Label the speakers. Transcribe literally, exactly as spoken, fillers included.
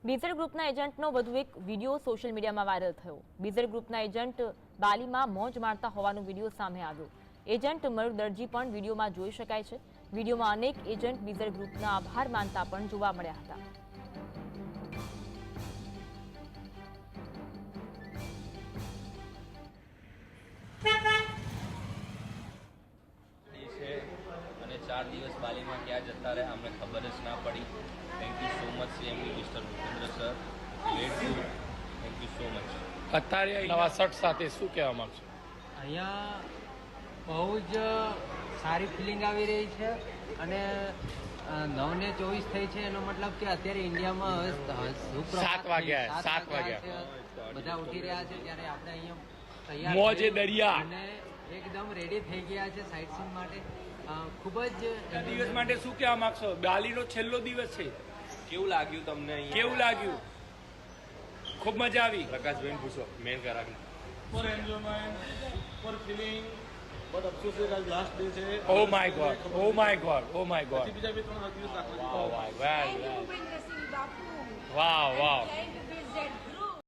Speaker 1: બીઝર ગ્રુપના એજન્ટનો વધુ એક વિડીયો સોશિયલ મીડિયામાં વાયરલ થયો। બીઝર ગ્રુપના એજન્ટ બાલીમાં મોજ મારતા હોવાનો વિડીયો સામે આવ્યો। એજન્ટ મયુર દરજી પણ વિડીયોમાં જોઈ શકાય છે। વિડીયોમાં અનેક એજન્ટ બીઝર ગ્રુપના આભાર માનતા પણ જોવા મળ્યા હતા।
Speaker 2: અને ચાર દિવસ બાલીમાં ક્યાં જતા રહ્યા અમને ખબર જ ના પડી। Thank you so much CMD mister Bhupendra sir, grateful, thank you so much.
Speaker 3: અત્યારે નવા શર્ટ સાથે શું કહેવા માંગશો?
Speaker 4: અહીંયા બહુ જ સારી ફિલિંગ આવી રહી છે અને નવ ને ચોવીસ થઈ છે, એનો મતલબ કે અત્યારે ઇન્ડિયામાં હવે
Speaker 3: સાત વાગ્યા સાત વાગ્યા
Speaker 4: બધા ઉઠી રહ્યા છે, ત્યારે આપણે અહીંયા તૈયાર
Speaker 3: મોજે દરિયા
Speaker 4: અને એકદમ રેડી થઈ ગયા છે સાઇટ સીન માટે। ખૂબ જ
Speaker 3: દિવસ માટે શું કહેવા માંગશો? બાલીનો છેલ્લો દિવસ છે,
Speaker 2: કેવું લાગ્યું તમને અહીંયા?
Speaker 3: કેવું લાગ્યું? ખૂબ મજા આવી?
Speaker 2: પ્રકાશભાઈ પૂછો, મેન કરાવી।
Speaker 5: for enjoyment, for feeling, but અફસોસ છે કે આજ લાસ્ટ ડે છે।
Speaker 3: Oh my god, oh my god, oh my god,
Speaker 5: બીજા બે ત્રણ દિવસ રાખવા
Speaker 3: વાવ વાવ, વેલ વેલ,
Speaker 6: ભૂપેન્દ્રસિંહ બાપુ
Speaker 3: વાવ વાવ,
Speaker 6: જય